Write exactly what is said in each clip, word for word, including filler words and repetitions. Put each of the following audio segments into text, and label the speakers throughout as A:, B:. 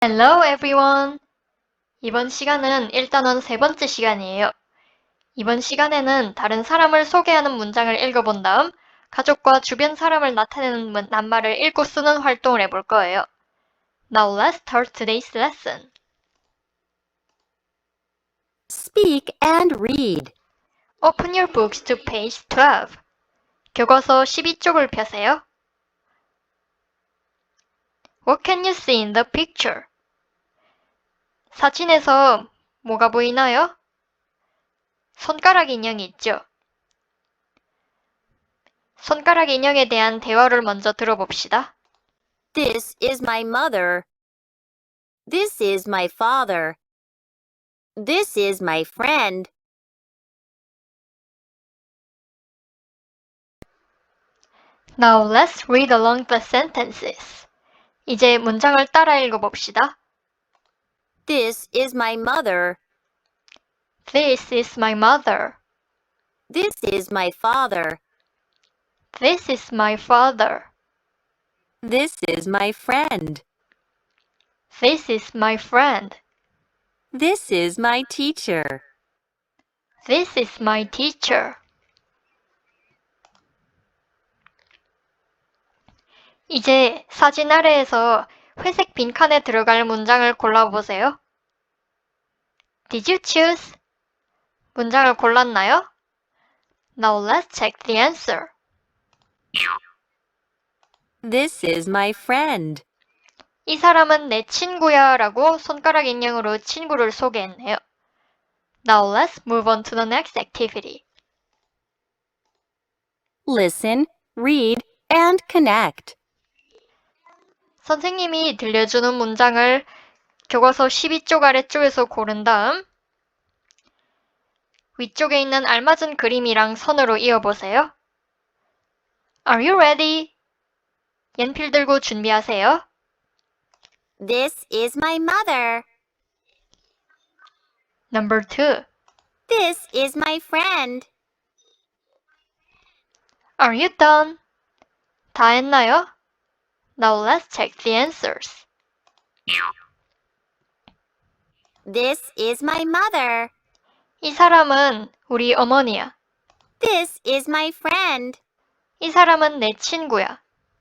A: Hello everyone! 이번 시간은 일단은 세 번째 시간이에요. 이번 시간에는 다른 사람을 소개하는 문장을 읽어본 다음 가족과 주변 사람을 나타내는 문- 낱말을 읽고 쓰는 활동을 해볼 거예요. Now let's start today's lesson.
B: Speak and read.
A: Open your books to page twelve. 교과서 십이 쪽을 펴세요. What can you see in the picture? 사진에서 뭐가 보이나요? 손가락 인형이 있죠? 손가락 인형에 대한 대화를 먼저 들어봅시다.
B: This is my mother. This is my father. This is my friend.
A: Now let's read along the sentences. 이제 문장을 따라 읽어봅시다.
B: This is my mother.
A: This is my mother.
B: This is my father.
A: This is my father.
B: This is my friend.
A: This is my friend.
B: This is my teacher.
A: This is my teacher. 이제 사진 아래에서 회색 빈칸에 들어갈 문장을 골라보세요. Did you choose? 문장을 골랐나요? Now let's check the answer.
B: This is my friend.
A: 이 사람은 내 친구야 라고 손가락 인형으로 친구를 소개했네요. Now let's move on to the next activity.
B: Listen, read, and connect.
A: 선생님이 들려주는 문장을 교과서 십이 쪽 아래쪽에서 고른 다음 위쪽에 있는 알맞은 그림이랑 선으로 이어보세요. Are you ready? 연필 들고 준비하세요.
B: This is my mother.
A: Number two.
B: This is my friend.
A: Are you done? 다 했나요? Now let's check the answers.
B: This is my mother.
A: 이 사람은 우리 어머니야.
B: This is my friend.
A: 이 사람은 내 친구야.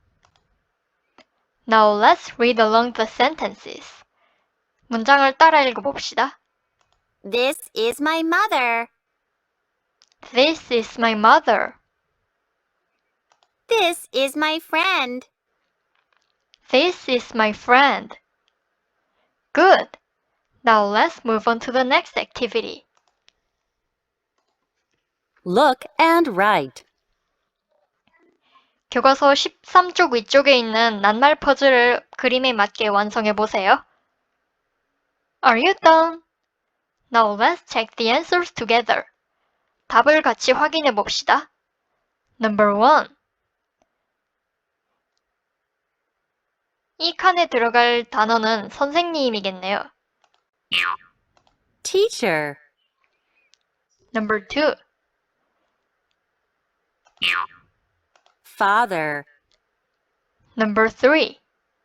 A: Now let's read along the sentences. 문장을 따라 읽어봅시다.
B: This is my mother.
A: This is my mother.
B: This is my friend.
A: This is my friend. Good. Now let's move on to the next activity.
B: Look and write.
A: 교과서 십삼 쪽 위쪽에 있는 낱말 퍼즐을 그림에 맞게 완성해 보세요. Are you done? Now let's check the answers together. 답을 같이 확인해 봅시다. Number one. 이 칸에 들어갈 단어는 선생님이겠네요.
B: Teacher.
A: Number two.
B: Father.
A: Number three.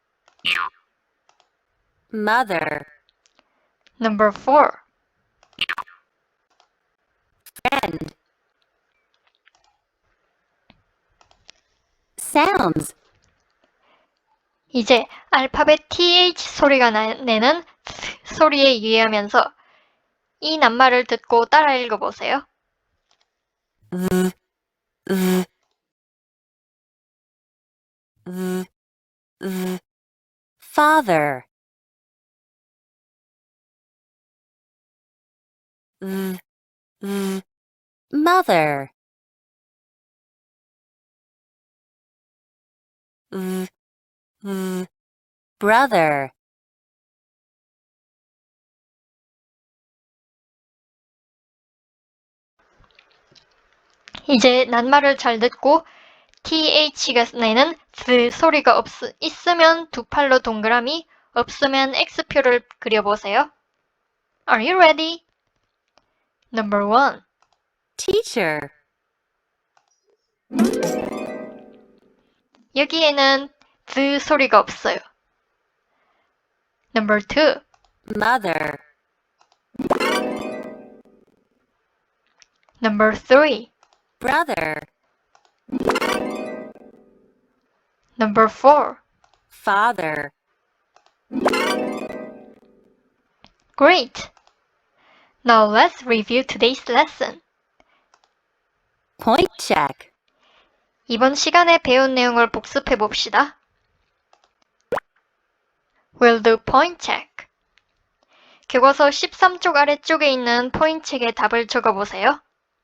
B: Mother.
A: Number four.
B: Friend. Sounds.
A: 이제 알파벳 th 소리가 나, 내는 th 소리에 유의하면서 이 낱말을 듣고 따라 읽어보세요.
B: th, th, th, th. Father. th, th. Mother. th, th. Brother.
A: 이제 낱말을 잘 듣고 th가 내는 th 소리가 없, 있으면 두 팔로 동그라미, 없으면 X표를 그려보세요. Are you ready? Number one.
B: Teacher.
A: 여기에는 th 소리가 없어요. Number two.
B: mother,
A: Number three.
B: brother,
A: Number four.
B: father.
A: Great! Now let's review today's lesson.
B: Point check.
A: 이번 시간에 배운 내용을 복습해 봅시다. We'll do point check. 교과서 십삼 쪽 아래쪽에 있는 포인트 책에 답을 적어보세요.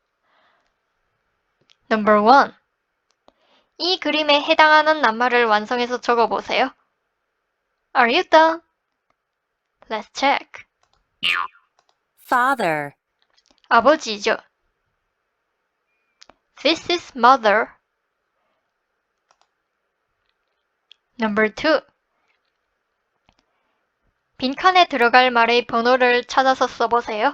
A: Number one. 이 그림에 해당하는 낱말을 완성해서 적어보세요. Are you done? Let's check.
B: Father,
A: 아버지죠. This is mother. Number two. 빈칸에 들어갈 말의 번호를 찾아서 써보세요.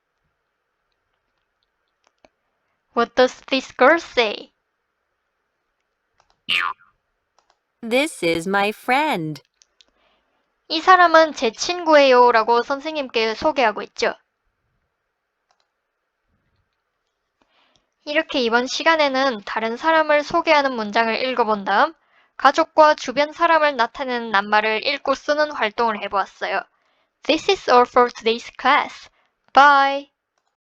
A: What does this girl say?
B: this is my friend.
A: 이 사람은 제 친구예요 라고 선생님께 소개하고 있죠. 이렇게 이번 시간에는 다른 사람을 소개하는 문장을 읽어본 다음 가족과 주변 사람을 나타내는 낱말을 읽고 쓰는 활동을 해보았어요. This is all for today's class. Bye!